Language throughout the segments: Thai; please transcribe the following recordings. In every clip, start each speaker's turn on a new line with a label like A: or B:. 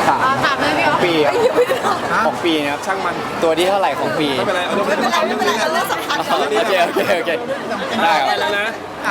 A: ถามเลยพี่อ๋อ
B: ปีครับของปีนะครับช่างมันตัวที่เท่าไหร่ของปี
C: ไม่เป็นไร
A: ไม่เป็นไรเรื่องสำคัญ
B: โอเคได้ครับ
C: แล้วนะ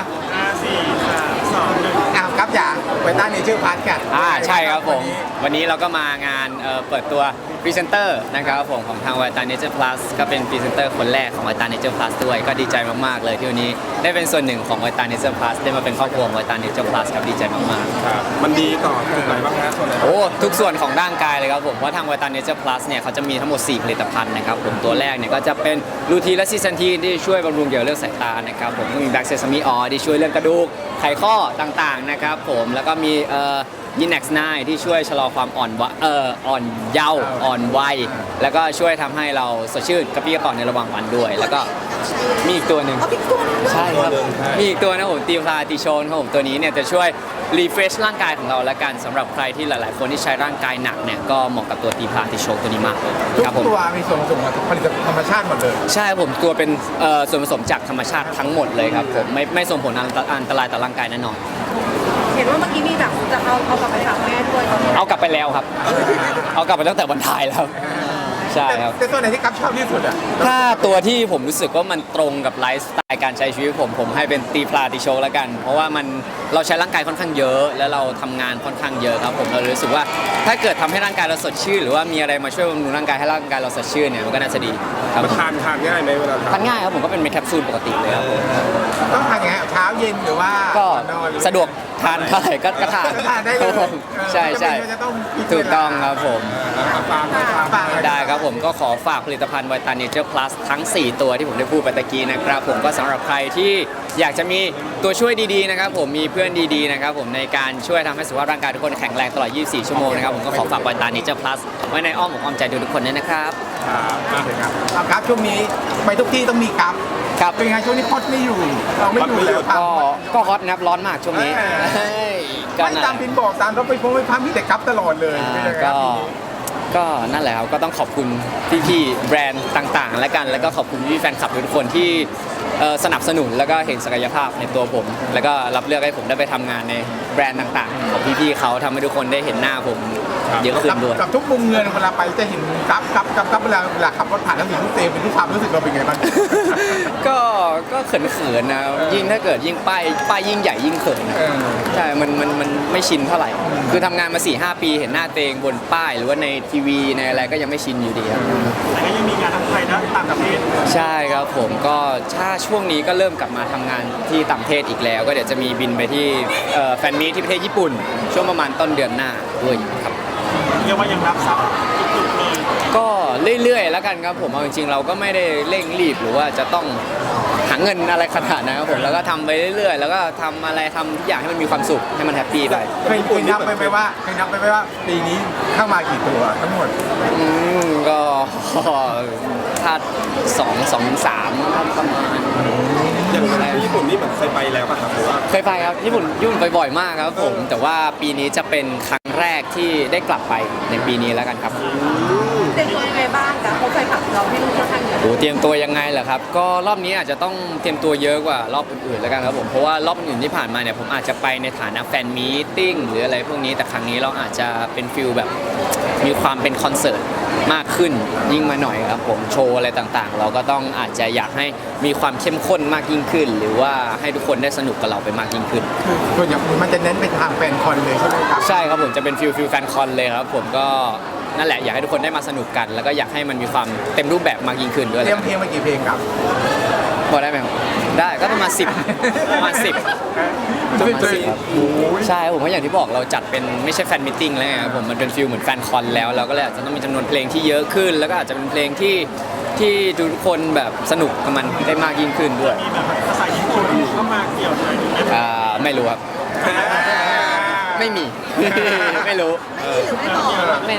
D: ครับอย่าไปตั้งในชื่อพาร์ทกัน
B: ใช่ครับผมวันนี้เราก็มางานเปิดตัวพรีเซนเตอร์นะครับผมของทาง Vita Nature Plus ก็เป็นพรีเซนเตอร์คนแรกของ Vita Nature Plus ด้วยก็ดีใจมากๆเลยที่วันนี้ได้เป็นส่วนหนึ่งของ Vita Nature Plus ได้มาเป็นครอบครัวของ Vita Nature Plus ครับดีใจมากๆ
C: ครับมันดีต่อจุดไหนบ้างฮะส่วนไหน
B: โอ้ทุกส่วนของร่างกายเลยครับผมเพราะทาง Vita Nature Plus เนี่ยเขาจะมีทั้งหมด 4 ผลิตภัณฑ์นะครับผมตัวแรกเนี่ยก็จะเป็นลูทีนและซีซันทีนที่ช่วยบำรุงเกี่ยวกับเรื่องสายตานะครับผมก็มีแบล็กเซซามิออยล์ที่ช่วยเรื่องกระดูกไขข้อต่างๆนะครับผมแล้วก็มียินเน็กซ์ไนที่ช่วยชะลอความอ่อนเยาว์อ่อนวัยแล้วก็ช่วยทำให้เราสดชื่นกระปรี้กระเป๋าในระหว่างวันด้วย แล้วก็มีอีกตัวหนึ่งใช่ครับมีอีกตัวนะผมตีพลาติโชนครับผมตัวนี้เนี่ยจะช่วยรีเฟรชร่างกายของเราละกันสำหรับใครที่หลายๆคนที่ใช้ร่างกายหนักเนี่ยก็เหมาะกับตัวตีพลาติโชนตัวนี้มากเลย
D: ทุก
B: ครับผม
D: ตัวมีส่วนผสมของผลิตภัณฑ์ธรรมชาติหมดเลย
B: ใช่ผมตัวเป็นส่วนผสมจากธรรมชาติทั้งหมดเลยครับผมไม่ส่งผลอันตรายต่อร่างกายแน่นอน
A: เห็นว่าเมื่อกี้มีแบบจะเอากลับไปถามแม่ด้วยตอนนี้
B: เอากลับไปแล้วครับ เอากลับไปตั้งแต่วันถ่ายแล้วใช่ครับ
D: แต่ตัวไหนที่กัฟชอบที่สุดอ่ะ
B: ถ้าตัวที่ผมรู้สึกว่ามันตรงกับไลฟ์สไตล์การใช้ชีวิตผมให้เป็นตีพลาติโชแล้วกัน เพราะว่าเราใช้ร่างกายค่อนข้างเยอะ แล้วเราทำงานค่อนข้างเยอะครับผมเรารู้สึกว่าถ้าเกิดทำให้ร่างกายเราสดชื่นหรือว่ามีอะไรมาช่วยบำรุงร่างกายให้ร่างกายเราสดชื่นเนี่ยมันก็น่าจะดีครับ
C: มันทานง่ายไหมเวลาทา
B: ทาน นง่ายครับผมก็เป็นเม็ดแคปซูลปกติเลยครับ
D: ต้องทานยังไงเช้าเย็นหรือว่า
B: ก็
D: นอนหรือ
B: สะดวกทานเท่าไหร่ก็ทาน
D: ก็ทานได้เลย
B: ครับผมใช่
D: จะต้อง
B: ถูกต้องครับผม
D: ฝาก
B: ได้ครับผมก็ขอฝากผลิตภัณฑ์ Vita Nature Plus ทั้ง 4 ตัวที่ผมได้พูดไปตะกี้นะครับผมก็สำหรับใครที่อยากจะมีตัวช่วยดีๆนะครับผมมีเพื่อนดีๆนะครับผมในการช่วยทำให้สุขภาพร่างกายทุกคนแข็งแรงตลอด 24 ชั่วโมงนะครับผมก็ขอฝาก Vita Nature Plus ไว้ในอ้อมอกอ้อมใจทุกคนด้วยนะครับ
D: เอาครับช่วงนี้ไปทุกที่ต้องมีกัฟ
B: ครับ
D: เป็นไงช่วงนี้พอดไม่อยู่เราไม่อยู่แล้วครับ
B: ก็ฮอตนะครับร้อนมากช่วงนี้เฮ้ยก็
D: ไม่
B: นั่น
D: ตามพินบอกตามรถไปพงไปพัมมีแต่กัฟตลอดเลยเป็นยังไงครับ
B: ก็นั่นแหละครับก็ต้องขอบคุณพี่ๆแบรนด์ต่างๆ และกันแล้วก็ขอบคุณพี่แฟนคลับทุกคนที่สนับสนุนแล้วก็เห็นศักยภาพในตัวผม แล้วก็รับเลือกให้ผมได้ไปทำงานในแบรนด์ต่างๆของพี่ๆเขาทำให้ทุกคนได้เห็นหน้าผมเยอะขึ้นด้วย
D: กับทุกมุมเงินเวลาไปจะเห็นกัฟเวลาขับรถผ่านแล้วเห็นทุกเตมเป็นทุกความรู้สึกเราเป็นไงบ้าง
B: ก็เขินๆนะยิ่งถ้าเกิดยิ่งป้ายยิ่งใหญ่ยิ่งเขินนะใช่มันไม่ชินเท่าไหร่ คือทำงานมา 4-5 ปีเห็นหน้าตัวเองบนป้ายหรือว่าในทีวีในอะไรก็ยังไม่ชินอยู่ดีครับ
C: แต่ก็ยังมีงานทั้งไทยและต่างประเทศ
B: ใช่ครับผมก็ถ้าช่วงนี้ก็เริ่มกลับมาทำงานที่ต่างประเทศอีกแล้ว ก็เดี๋ยวจะมีบินไปที่แฟนมีตที่ประเทศญี่ปุ่น ช่วงประมาณต้นเดือนหน้าด้วยครับ
C: เรียกว่ายังรับทรัพย์จุกๆเลย
B: ก็เรื่อยๆแล้วกันครับผมเอาจริงๆเราก็ไม่ได้เร่งรีบหรือว่าจะต้องหาเงินอะไรขนาดนั้นครับผมแล้วก็ทำไปเรื่อยๆ แล้วก็ทำอะไรทำทุกอย่างให้มันมีความสุขให้มันแฮปปี้ไป
D: เคยนับไปไหมว่าปีนี้เข้ามากี่ตัวทั้งหมด
B: ก็ถ้า2-3ประมาณ
C: อย่างที่ญี่ปุ่นนี่เหมือนเคยไปแล้วป่ะครับหรือว่า
B: เคยไปครับญี่ปุ่นไปบ่อยมากครับผมแต่ว่าปีนี้จะเป็นครั้งแรกที่ได้กลับไปในปีนี้แล้วกันครับ
A: เตรียมตัวยังไงบ้างคะเขาเคยขับเราที่นู่นค่อนข้างเยอะ
B: โอ้เตรียมตัวยังไงเหรอครับก็รอบนี้อาจจะต้องเตรียมตัวเยอะกว่ารอบอื่นๆแล้วกันครับผมเพราะว่ารอบอื่นที่ผ่านมาเนี่ยผมอาจจะไปในฐานะแฟนมีตติ้งหรืออะไรพวกนี้แต่ครั้งนี้เราอาจจะเป็นฟิลแบบมีความเป็นคอนเสิร์ตมากขึ้นยิ่งมาหน่อยครับผมโชว์อะไรต่างๆ เราก็ต้องอาจจะอยากให้มีความเข้มข้นมากยิ่งขึ้น หรือว่าให้ทุกคนได้สนุกกับเราไปมากยิ่งขึ้น
D: คือส่วนใหญ่มันจะเน้นไปทางแฟนคอนเลยใช่ไหมครับ
B: ใช่ครับผมจะเป็นฟิลแฟนคอนเลยครับผมก็นั่นแหละอยากให้ทุกคนได้มาสนุกกัน แล้วก็อยากให้มันมีความเต็มรูปแบบมากยิ่งขึ้นด้วย
D: เตรียมเพลงมากี่เพลงครับ
B: พอได้ไหมครับได้ก็ประมาณ10ประมาณ10ครับใช่ผมว่าอย่างที่บอกเราจัดเป็นไม่ใช่แฟนมิทติ้งแล้วไงครับผมมันเป็นฟิลเหมือนแฟนคอนแล้วเราก็เลยอาจจะต้องมีจำนวนเพลงที่เยอะขึ้น แล้วก็อาจจะเป็นเพลงที่ทุกคนแบบสนุกกับมันได้มากยิ่งขึ้นด้วย
C: มีแบบภาษาญี่ปุ่นเข้ามาเกี่ยวด้วยไหม
B: ไม่รู้ครับไม่มี ไม่รู้
A: ไม่บอก
B: ไม่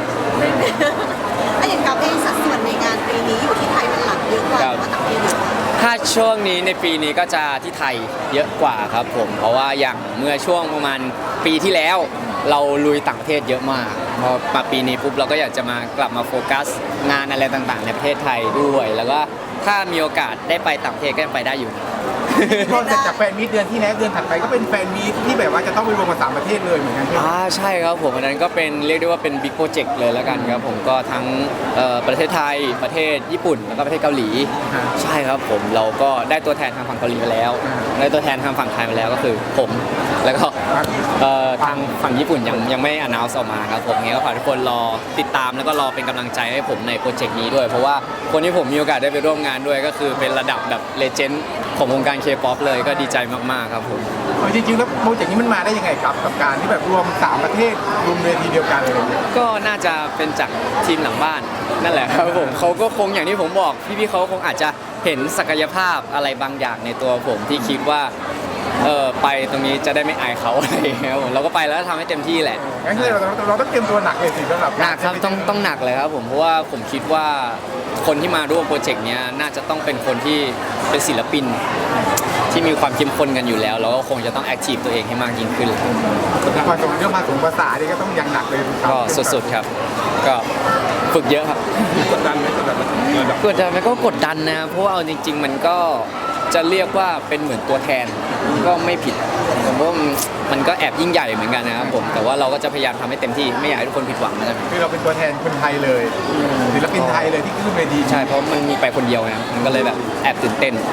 A: ถ้าอย่างกับเองสัดส่วนในงานปีนี้อยู่ที่ไทยเป็นหลักเยอะกว่าหรือว่าต่างประเทศเยอะกว่า
B: ถ้าช่วงนี้ในปีนี้ก็จะที่ไทยเยอะกว่าครับผมเพราะว่าอย่างเมื่อช่วงประมาณปีที่แล้ว เราลุยต่างประเทศเยอะมากพอมาปีนี้ปุ๊บเราก็อยากจะมากลับมาโฟกัสงานอะไรต่างๆ ในประเทศไทยด้วย แล้วก็ถ้ามีโอกาสได้ไปต่างประเทศก็ยังไปได้อยู่
D: พอเสร็จจากแฟนมีตเดือนที่แล้วเดือนถัดไปก็เป็นแฟนมีตที่แบบว่าจะต้องไปรวมกับ3ประเทศเลยเหมือนกันใช่ไหม
B: ใช่ครับผมอันนั้นก็เป็นเรียกได้ว่าเป็นบิ๊กโปรเจกต์เลยแล้วกันครับผมก็ทั้งประเทศไทยประเทศญี่ปุ่นแล้วก็ประเทศเกาหลี ใช่ครับผมเราก็ได้ตัวแทนทางฝั่งเกาหลีไปแล้วได้ตัวแทนทางฝั่งไทยไปแล้วก็คือผมแล้วก็ทางฝั่งญี่ปุ่นยังไม่announceออกมาครับผมงั้นก็ฝากทุกคนรอติดตามแล้วก็รอเป็นกำลังใจให้ผมในโปรเจกต์นี้ด้วยเพราะว่าคนที่ผมมีโอกาสได้ไปร่วมงานด้วยก็คือเป็นระดับแบบเลเจนด์ของวงการ K-POP เลยก็ดีใจมากๆครับผม
D: จริงๆแล้วโปรเจกต์นี้มันมาได้ยังไงครับกับการที่แบบรวม3ประเทศรวมเวทีเดียวกันเลย
B: ก็น่าจะเป็นจากทีมหลังบ้านนั่นแหละครับผมเขาก็คงอย่างที่ผมบอกพี่ๆเขาคงอาจจะเห็นศักยภาพอะไรบางอย่างในตัวผมที่คิดว่าไปตรงนี้จะได้ไม่อายเขาอะไรอย่างเงี้ยครับผมเราก็ไปแล้วทำให้เต็มที่แหละ
D: งั้นคือเราต้องเตรียมตัวหนักเลยสิสำหรับ
B: หนักครับต้องหนักเลยครับผมเพราะว่าผมคิดว่าคนที่มาร่วมโปรเจกต์เนี้ยน่าจะต้องเป็นคนที่เป็นศิลปินที่มีความเข้มข้นกันอยู่แล้วแล้วก็คงจะต้องแอคทีฟตัวเองให้มากยิ่งขึ้น
D: พอส่งเรื่องภาษานี่ก็ต้องยังหนักเลย
B: ก็สุดๆครับก็ฝึกเยอะครับ
C: กดดันไหมกดดันไหมระดับ
B: กดดันไหมก็กดดันนะครับเพราะว่าเอาจริง ๆ มันก็จะเรียกว่าเป็นเหมือนตัวแทนก็ไม่ผิดผมว่ามันก็แอบยิ่งใหญ่เหมือนกันนะครับผมแต่ว่าเราก็จะพยายามทำให้เต็มที่ไม่อยากให้ทุกคนผิดหวังนะครับ
D: คือเราเป็นตัวแทนคนไทยเลยศิลปินไทยเลยที่ขึ้นเวที
B: ใช่เพราะมันมีไปคนเดียวนะมันก็เลยแบบแอบตื่นเต้น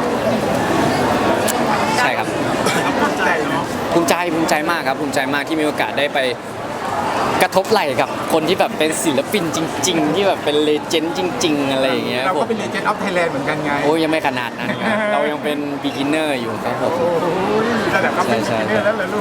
B: ใช่ครับ
D: ใจเนาะ
B: ภูมิใจมากครับภูมิใจมากที่มีโอกาสได้ไปกระทบไหล่กับคนที่แบบเป็นศิลปินจริง ๆ ที่แบบเป็นเลเจนด์จริง ๆ อะไรอย่างเงี้ย
D: เรา
B: ผ
D: ก็
B: ม
D: เป็นเลเจนด์ออฟไทยแลนด์เหมือนกันไง
B: โอ้ยยังไม่ขนาดนั้นครับเรายังเป็น beginner อยู่ครับผม
D: โอ้ยระดับก็เป็น
B: ใช่
D: เรื่องแล้วเหรอลูก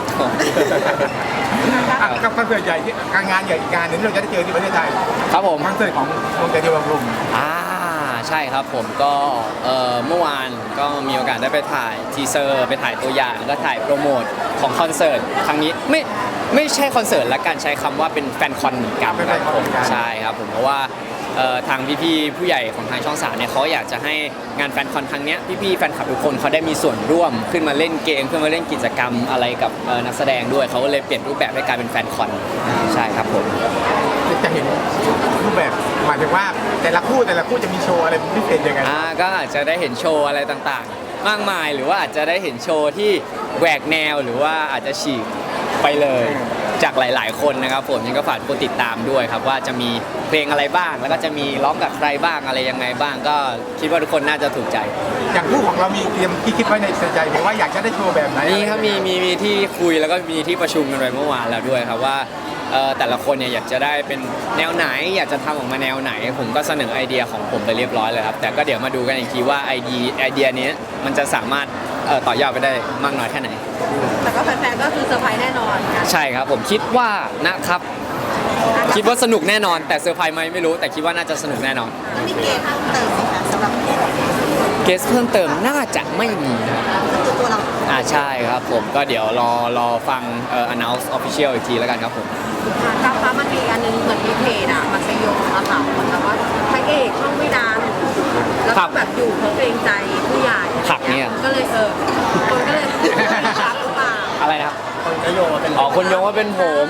D: กับคอนเสิร์ตใหญ่ที่การงานใหญ่อีกงานหนึงที่เราจะได้เจอที่ประเทศไทย
B: ครับผม
D: คอนเสิร์ตของวงใจเดียวบำรุง
B: ใช่ครับผมก็เมื่อวานก็มีโอกาสได้ไปถ่ายทีเซอร์ไปถ่ายตัวอย่างแล้วก็ถ่ายโปรโมทของคอนเสิร์ตครั้งนี้ไม่ใช่คอนเสิร์ตละกันใช้คำว่าเป็นแฟนคอนเหมือนกันครับผมใช่ครับผมเพราะว่าทางพี่ๆผู้ใหญ่ของทางช่อง3เนี่ยเขาอยากจะให้งานแฟนคอนครั้งเนี้ยพี่ๆแฟนคลับทุกคนเขาได้มีส่วนร่วมขึ้นมาเล่นเกมขึ้นมาเล่นกิจกรรมอะไรกับนักแสดงด้วยเขาก็เลยเปลี่ยนรูปแบบให้กลายเป็นแฟนคอนใช่ครับผม
D: จะเห็นรูปแบบหมายถึงว่าแต่ละคู่จะมีโชว์อะไรพิเศษยังไง
B: ก็อาจจะได้เห็นโชว์อะไรต่างๆ มากมายหรือว่าอาจจะได้เห็นโชว์ที่แหวกแนวหรือว่าอาจจะฉีกไปเลยจากหลายๆคนนะครับผมยังก็ฝากทุกคนติดตามด้วยครับว่าจะมีเพลงอะไรบ้าง แล้วก็จะมีร้องกับใครบ้างอะไรยังไงบ้าง ก็คิดว่าทุกคนน่าจะถูกใจ
D: อย่างคู่ของเรามีเตรียมที่คิดไว้ในใจไหมว่าอยากจะได้โชว์แบบไหน
B: นี่ครับมีที่คุยแล้วก็มีที่ประชุมกันไปเมื่อวานแล้วด้วยครับว่าแต่ละคนเนี่ยอยากจะได้เป็นแนวไหนอยากจะทำออกมาแนวไหน ผมก็เสนอไอเดียของผมไปเรียบร้อยเลยครับแต่ก็เดี๋ยวมาดูกันอีกทีว่าไอเดียนี้มันจะสามารถต่อยอดไปได้มากน้อยแค่ไหน
A: แต่ก็แฟนๆก็คือเซอร์ไพรส์แน่นอนค่ะ
B: ใช่ครับผมคิดว่านะครับคิดว่าสนุกแน่นอนแต่เซอร์ไพรส์ไหมไม่รู้แต่คิดว่าน่าจะสนุกแน่นอน
A: แล้วมีเกณฑ์เพิ่มเติมไหมคะสำหรับก็
B: เกสเพิ่มเติมน่าจะไม่มีนะ
A: คือตัวเรา
B: ใช่ครับผมก็เดี๋ยวรอฟังannounce official อีกทีแล้วกันครับผม
A: ก้าวฟ้ามันมีอันนึงเหมือนมีเพจอ่ะมันไปโยงมาค่ะเหมือนกับว่าพระเอกช่องไม่ดังแล้วก็แบบอยู่เพราะเกรงใจผู้ใหญ่
B: ผักเนี่ย
A: ก็เลยคนก็เลยรักหรือเปล่า
B: อะไรนะครับ
C: คนโยงมาเป็น
B: คนโยงว่าเป็นผม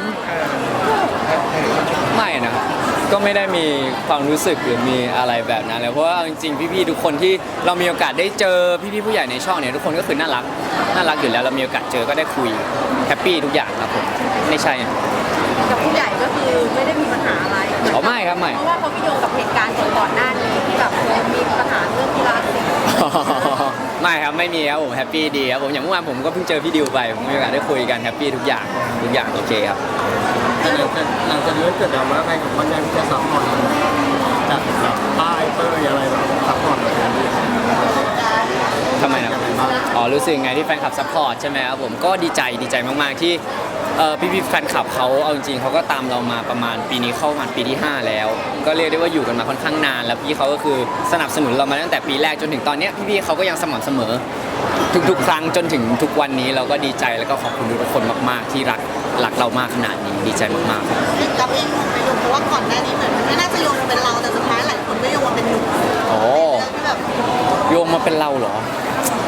B: ไม่นะก็ไม่ได้มีความรู้สึกหรือมีอะไรแบบนั้นเลยเพราะว่าจริงๆพี่ๆทุกคนที่เรามีโอกาสได้เจอพี่ๆผู้ใหญ่ในช่องเนี่ยทุกคนก็คือน่ารักอยู่แล้วเรามีโอกาสเจอก็ได้คุยแฮปปี้ทุกอย่างครับผมไม่ใช่
A: กับผู้ใหญ่ก็คือไม่ได้มีปัญหาอะไร
B: ไม่ครับไม่
A: เพราะว่าเขาไปโยงกับเหตุการณ์ก่อนหน้านี้ที่แบบมีปัญหาเรื่องกีฬาสี
B: ไม่ครับไม่มีครับผมแฮปปี้ดีครับผมอย่างเมื่อวานผมก็เพิ่งเจอพี่ดิวไปผมมีโอกาสได้คุยกันแฮปปี้ทุกอย่างโอเคครับ
C: หลังจากนี้เกิดดราม่าอะไรของมันยังจะซัพพอร์ตจากแบบป้ายเตยอะไรแบบซัพพอร์ตแบบนี้
B: ทำไมนะรู้สึกไงที่แฟนคลับซัพพอร์ตใช่ไหมครับผมก็ดีใจมากๆที่พี่แฟนคลับเขาเอาจริงๆเขาก็ตามเรามาประมาณปีนี้เข้ามาปีที่ 5 แล้ว ก็เรียกได้ว่าอยู่กันมาค่อนข้างนานแล้วพี่เขาก็คือสนับสนุนเรามาตั้งแต่ปีแรกจนถึงตอนนี้พี่ๆเขาก็ยังสม่ำเสมอทุกๆครั้งจนถึงทุกวันนี้เราก็ดีใจแล้วก็ขอบคุณทุกคนมากๆที่รักเรามากขนาดนี้ดีใจมากๆ
A: เรื่องกับเองไปโยงเพราะว่าก่อนหน้านี้เหมือนมันไม่น่าจะโยงมาเป็นเราแต่สุดท้ายหลายคนก็โยงมาเป็นหนุ่ม
B: โอ้
A: ที่แบบ
B: โยงมาเป็นเราเหรอ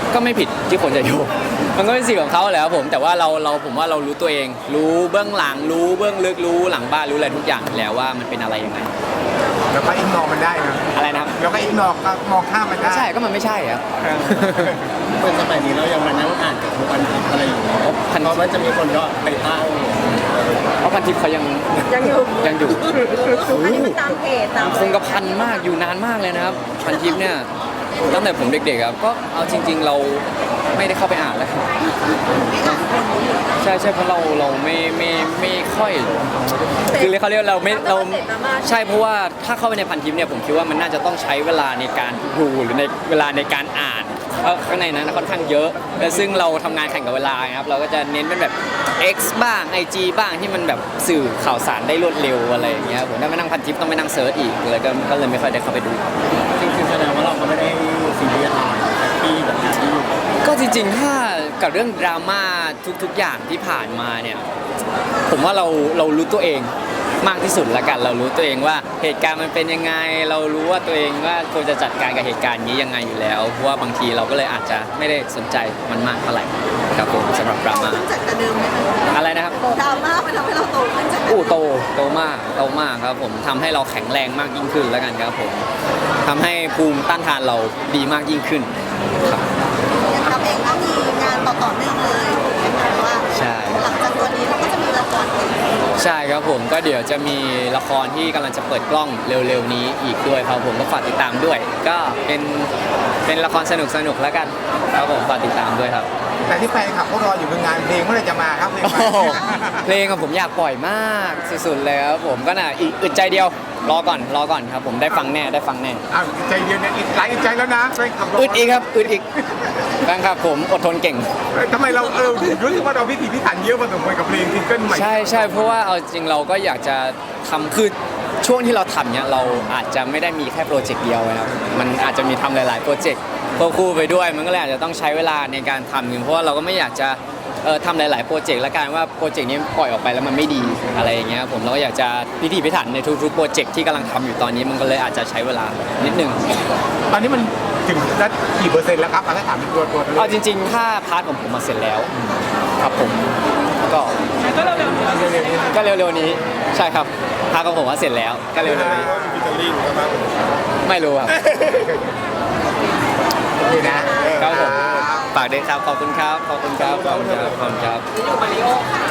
B: ก็ไม่ผิดที่คนจะโยงมันก็เป็นสิ่งของเขาแหละครับผมแต่ว่าผมว่าเรารู้ตัวเอง รู้เบื้องหลังรู้เบื้องลึกรู้หลังบ้านรู้อะไรทุกอย่างแล้วว่ามันเป็นอะไรยังไง
D: แล้วก็อิกนอมันได้นะ
B: อะไรนะครับ
D: แล้วก็อิกนอก็มองข้ามมันได้
B: ใช่ก็มันไม่ใช่ครับ
C: เป็นสมัยนี้เรายังมานั่งอ่านกับทุกวันทิพย์อะไรอยู่
B: อ๋อพัน
C: เพราะมันจะมีคนก็ไปตั้ง
B: เพราะพันทิพย์เขายัง
A: ยังอยู่
B: ยังอยู่
A: อันนี้มันตามเพจตาม
B: คงกระพันมากอยู่นานมากเลยนะครับพันทิปเนี่ยตั้งแต่ผมเด็กๆครับก็เอาจริง ๆ เราไม่ได้เข้าไปอ่านแล้วใช่เพราะเราไม่ค่อยคือเขาเรียกเราไม่เราใช่เพราะว่าถ้าเข้าไปในพันทิปเนี่ยผมคิดว่ามันน่าจะต้องใช้เวลาในการดูหรือในเวลาในการอ่านเพราะข้างในนั้นค่อนข้างเยอะและซึ่งเราทำงานแข่งกับเวลาครับเราก็จะเน้นเป็นแบบ X บ้าง IG บ้างที่มันแบบสื่อข่าวสารได้รวดเร็วอะไรอย่างเงี้ยผมถ้าไม่นั่งพันทิปต้องไปนั่งเซิร์ชอีกเลยก็เลยไม่ค่อยได้เข้าไปดู
C: จริงๆแสดงว่าเราก็ไม่ได้ซีเรียสอะไรแฮปปี้กับงานที่อยู่
B: ก็จริงๆถ้ากับเรื่องดราม่าทุกๆอย่างที่ผ่านมาเนี่ยผมว่าเรารู้ตัวเองมากที่สุดละกันเรารู้ตัวเองว่าเหตุการณ์มันเป็นยังไงเรารู้ว่าตัวเองว่าควรจะจัดการกับเหตุการณ์นี้ยังไงอยู่แล้วเพราะว่าบางทีเราก็เลยอาจจะไม่ได้สนใจมันมากเท่าไหร่ครับผมสำหรับดราม่า
A: ขึ้นจากแต่เดิมไหมคะ
B: อะไรนะครับ
A: ดราม่ามันทำให้เราโตขึ้นจากแต่เดิม
B: โตมากครับผมทำให้เราแข็งแรงมากยิ่งขึ้นแล้วกันครับผมทำให้ภูมิต้านทานเราดีมากยิ่งขึ้นครับ
A: อย่างทำเองก็มีงานต่อเนื่องเลยเห็นไหมว่า
B: ใช่
A: หลังจากตัวนี้เราก็จะมีละครอีก
B: ใช่ครับผมก็เดี๋ยวจะมีละครที่กำลังจะเปิดกล้องเร็วๆนี้อีกด้วยครับผมก็ฝากติดตามด้วย ก็เป็นละครสนุกๆแล้วกันครับผมฝากติดตามด้วยครับ
D: แต่ที่แฟนคลับเขารออยู่คืองานเพลงเมื่อไหรจะมาครับเพลง
B: โอ้
D: ใหม่
B: โหเพลงของผมอยากปล่อยมากสุดๆเลยครับผมก็น่ะอีกอึดใจเดียวรอก่อนครับผมได้ฟังแน่
D: อ้าวใจเดียวเนี่ยอีกหลายใจแล้วนะแฟนคลับ
B: อึดอีกครับอึดอีกแฟนคลับผมอดทนเก่ง
D: ทำไมเรารู้สึกว่าเราพิถีพิถันเยอะพอสมควรกับเพลงซิงเกิลใหม่
B: ใช่เพราะว่าเอาจริงเราก็อยากจะทำคือช่วงที่เราทำเนี่ยเราอาจจะไม่ได้มีแค่โปรเจกต์เดียวนะครับมันอาจจะมีทำหลายๆโปรเจกต์ควบคู่ไปด้วยมันก็เลยอาจจะต้องใช้เวลาในการทำเพราะว่าเราก็ไม่อยากจะทำหลายๆโปรเจกต์ละกันว่าโปรเจกต์นี้ปล่อยออกไปแล้วมันไม่ดีอะไรอย่างเงี้ยผมเราก็อยากจะพิถีพิถันในทุกๆโปรเจกต์ที่กำลังทำอยู่ตอนนี้มันก็เลยอาจจะใช้เวลานิดนึง
D: ตอนนี้มันถึงได้กี่เปอร์เซ็นต์แล้วครับถ้าถามเป็นตัว
B: เอาจริงๆถ้าพาร์ทของผมมาเสร็จแล้วครับผมก็เร็วๆนี้ใช่ครับพาร์ทของผมมาเสร็จแล้วก็เร็วๆนี้
C: ฟิชเชอร์ลิงครับ
B: ไม่รู้ครับ
D: นี่นะ
B: ครับผมฝากด้วยครับขอบคุณครับ